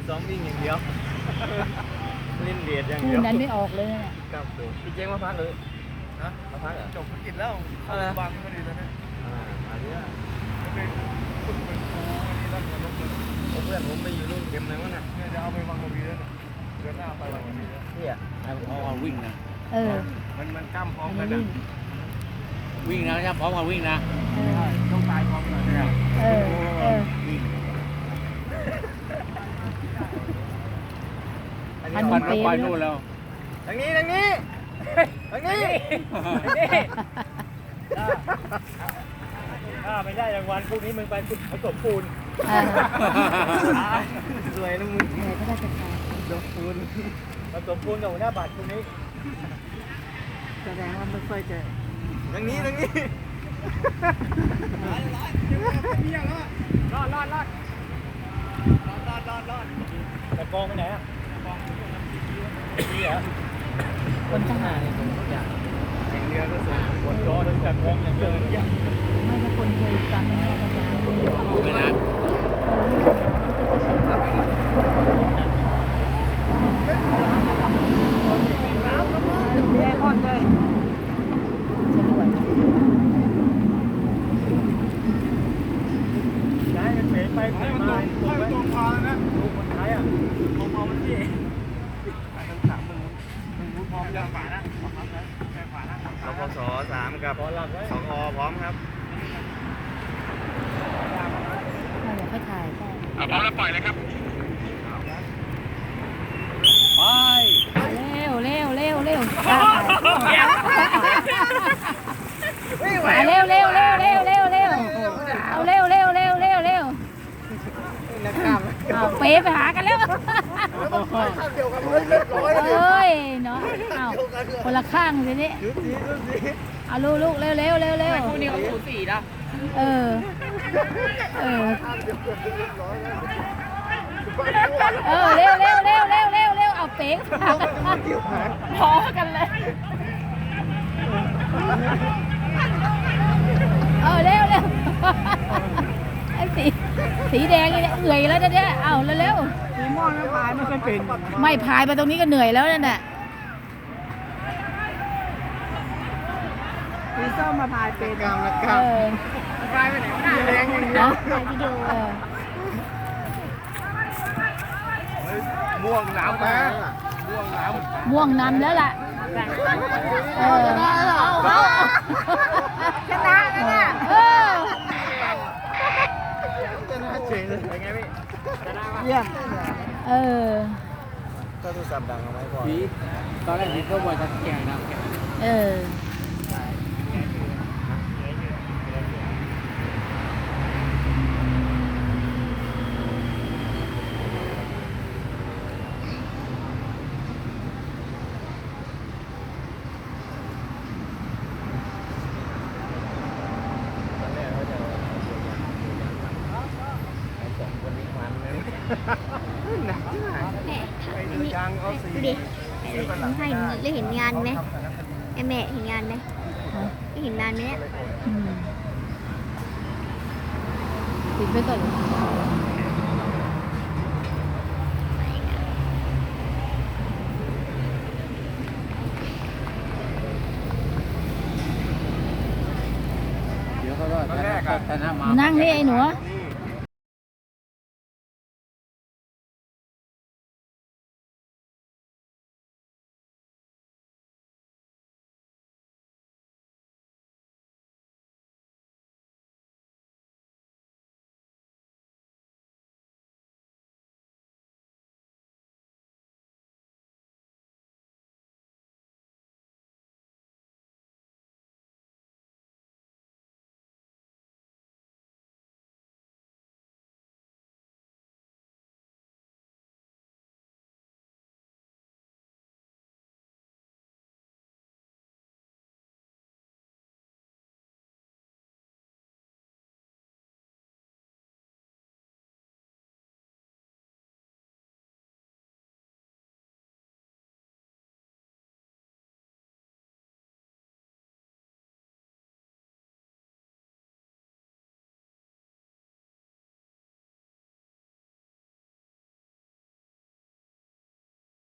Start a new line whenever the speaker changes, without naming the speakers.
ซ้อมวิ่งอย่างเดียวเล่นเบียดอย่าง
คู่
เดียว
นั้นไม่ออกเลยเนี่ย
ครับพี่เจ๊งมาพักเลยฮะมาพักเหรอ
จบธุรกิจแล้วบางพอดีแล้วเนี่ย
อันนี้
เป็นฝึกเป็นครูนี่แล้วเงินลงทุน
เพื่อนผมไปอยู่รุ่นเกมเลยวะน่ะ
เนี่ยจะเอาไปวังกะวีแล้วเนี่ยเดือนหน้าไปวังกะวีแล้ว
พี่อ่ะเอาวิ่งนะ
เออ
มันกล้ามพร้อ
อั
ม
น
กั
นี้
น
วิ่ง
วิ่งนะจะพร้อมกับวิ่งนะ
เออ
ต้องตายพร้อมกันเนี่ย
เออเออ
วิ่ง
อันนี้เป๊ะ
ไปนู่นแล้วทางนี้ทางนี้ทางนี้ถ้าไม่ได้รางวัลพวกนี้มึงไปผสมปูน
อ่า
สวยนะมึง
เหนื่อยก็ได้จะตาย
ผสมปูนผสมปูนกับหัวหน้าบัตรพวกนี้
แสดงว่าไม่ค่อยจะ
ทางนี้ทางนี้รอดแต่กองไปไหนอ่ะนี่เหรอ
คนทหาร
ทุกอย่างแข่งเรือก็สูงบนจอโดนจับกองอย่างเดียวทุกอย่าง
ไม่ใช่คนเคยจำไม่ได้กันแล้ว
ไม่นาน
แย่พอดเลยสะดวก
ย้ายกันเป๋ไปเป๋มา
ให้มันตรงพาแล้วนะ
ลูกคนไทยอ่ะของพอมันที่
ไอ้ทั้งสามมึงพร้อมยังฝานะพร้อมนะแค่ฝานะ
รพส3กับ2อพร้อมครับ
น่าจะค่อยถ่ายก็
พร้อมแล้วปล่อยเลยครับ
ไป
เร็วเร็วเร็วถ่ายเร็วเร็วเร็วเร็วเร็วเร็วเอาเร็วเร็วเร็วเร็วเร็ว
นักกล้าม
เอาเป๊ไปหากันแล้ว
เดียวกันเลยเรียบร้อย
เอ้ยเนาะเอาคนละข้างสินี่
ดูสิ
เอาลูกเร็วเร็วเร็วเร็ว
คู่นี้เขาสูสีนะ
เออเออเร็วเร็วเร็วเร็วเร็วเร็วเอาเป๊กพอกันเลยเร็วเร็วไอ้สีแดงนี่เหนื่อยแล้วเนี่ยเอาเร็ว
สีม่วงนั้นพายไม่ค่อยเป็น
ๆไม่พายไปตรงนี้ก็เหนื่อยแล้วนั่นแหละ
สีส้มมาพายเป็น
กล้ามนักก
เอ
ล้าม
อ
พายไปไหนวะน่ะ
แรงอย่างเดียว
นะเออ
ม่วงน้ำมาม่วงน้
ม่วงนำแล้วล่ะเออ
ชนะแล้วน่ะ
เออ
จะน่าเฉยเลยเป็นไงพี่
เยี่ยม
เออ
ก็โทรศัพท์ดังเอาไว้ก่อน
ตอนแรกพี่ก็ว่าจะแข่งนะ
เออ
ตอนแรกเขาจะไอ้สองคนนี้มันเลยหนักที่ไหน
ำไอ้เรือยางเอาสี
ดูดิให้ได้เห็นงานไหมไอแม่เห็นงานไหมได้เห็นงานไหมเนี่ย
อืมปิดไปก่อน
เดี๋ยวเขาก็ชนะมา
นั่งนี่ไอ้หนู
นี่